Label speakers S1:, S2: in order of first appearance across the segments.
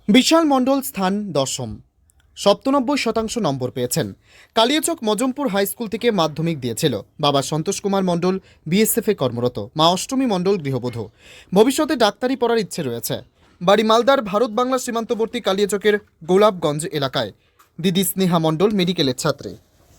S1: বিশাল মণ্ডল স্থান দশম, ৯৭% নম্বর পেয়েছেন। কালিয়াচক মজমপুর হাই স্কুল থেকে মাধ্যমিক দিয়েছিল। বাবা সন্তোষ কুমার মণ্ডল বিএসএফে কর্মরত, মা অষ্টমী মণ্ডল গৃহবধূ। ভবিষ্যতে ডাক্তারি পড়ার ইচ্ছে রয়েছে। বাড়ি মালদার ভারত বাংলা সীমান্তবর্তী কালিয়াচকের গোলাপগঞ্জ এলাকায়। দিদি স্নেহা মণ্ডল মেডিকেলের ছাত্রী।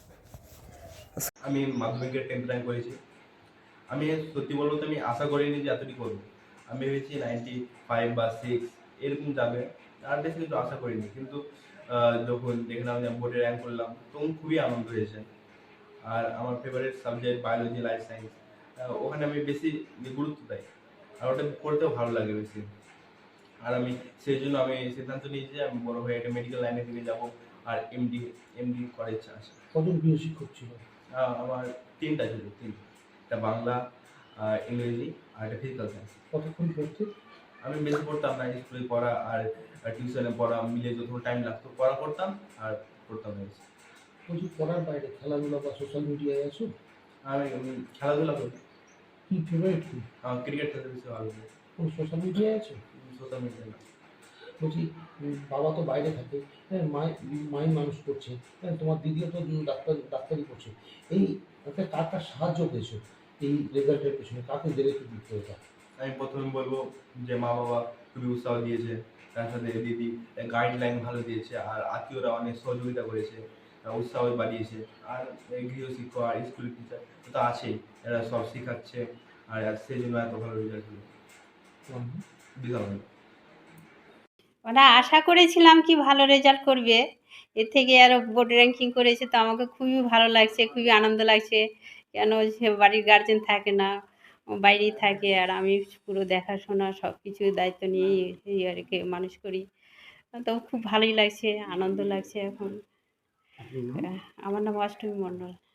S2: আমি মাধ্যমিকের 10th র্যাঙ্ক করেছি। আমি সত্যি বলবো তো আমি আশা করিনি যে এতটি করবো। আমি ভেবেছি 95 বা 6 এরকম যাবে, আর বেশি কিন্তু আশা করিনি। কিন্তু যখন দেখলাম যে বোর্ডে র্যাঙ্ক করলাম তখন খুবই আনন্দ হয়েছে। আর আমার favourite subject biology, life science, ওখানে আমি বেশি গুরুত্ব দেই, আর ওটা পড়তেও ভালো লাগে বেশি। আর আমি সেই জন্য আমি সিদ্ধান্ত নিয়েছি যে আমি বড় হয়ে একটা মেডিকেল লাইনের দিকে যাব, আর এমডি করার ইচ্ছা আছে।
S3: কজন প্রিয় শিক্ষক ছিল?
S2: আমার 3টা ছিল, 3টা। একটা বাংলা, ইংরেজি আর একটা ফিজিক্যাল সায়েন্স।
S3: কতক্ষণ পড়তে?
S2: আমি বেশি পড়তাম না, স্কুলে পড়া আর টিউশনে পড়া মিলে যতক্ষণ টাইম লাগতো পড়া করতাম আর পড়তাম না বেশি।
S3: বলছি, পড়ার বাইরে খেলাধুলা বা সোশ্যাল মিডিয়ায় আছো?
S2: আমি খেলাধুলা করি।
S3: কি ফেভারিট কি?
S2: আমার ক্রিকেট খেলতে বেশি ভালো লাগে।
S3: কোন সোশ্যাল মিডিয়ায় আছো?
S2: সোশ্যাল মিডিয়া না।
S3: বলছি, বাবা তো বাইরে থাকে, হ্যাঁ, মাই মানুষ করছে, হ্যাঁ, তোমার দিদিও তো ডাক্তারি করছে। এই একটা কার কার সাহায্য পেয়েছো এই রেজাল্টের পেছনে? কাকে দেবে কি দিতে এটা?
S2: আমি প্রথমে বলবো যে মা বাবা খুবই উৎসাহ দিয়েছে, তার সাথে দিদি গাইডলাইন ভালো দিয়েছে, আর আত্মীয়রা অনেক সহযোগিতা করেছে, উৎসাহ বাড়িয়েছে। আর এই গৃহশিক্ষক আর স্কুলের টিচার তো আছেই, এরা সব শেখাচ্ছে, আর সেই জন্য এত ভালো রেজাল্ট হলো। বিশাল ভালো।
S4: ওরা আশা করেছিলাম কি ভালো রেজাল্ট করবে, এর থেকে আরও বোর্ড র্যাঙ্কিং করেছে, তো আমাকে খুবই ভালো লাগছে, খুবই আনন্দ লাগছে। কেন সে বাড়ির গার্জেন থাকে না, বাইরেই থাকে, আর আমি পুরো দেখাশোনা সব কিছু দায়িত্ব নিয়েই এই আর কি মানুষ করি। তো খুব ভালোই লাগছে, আনন্দ লাগছে এখন। আমার নাম অষ্টমী মণ্ডল।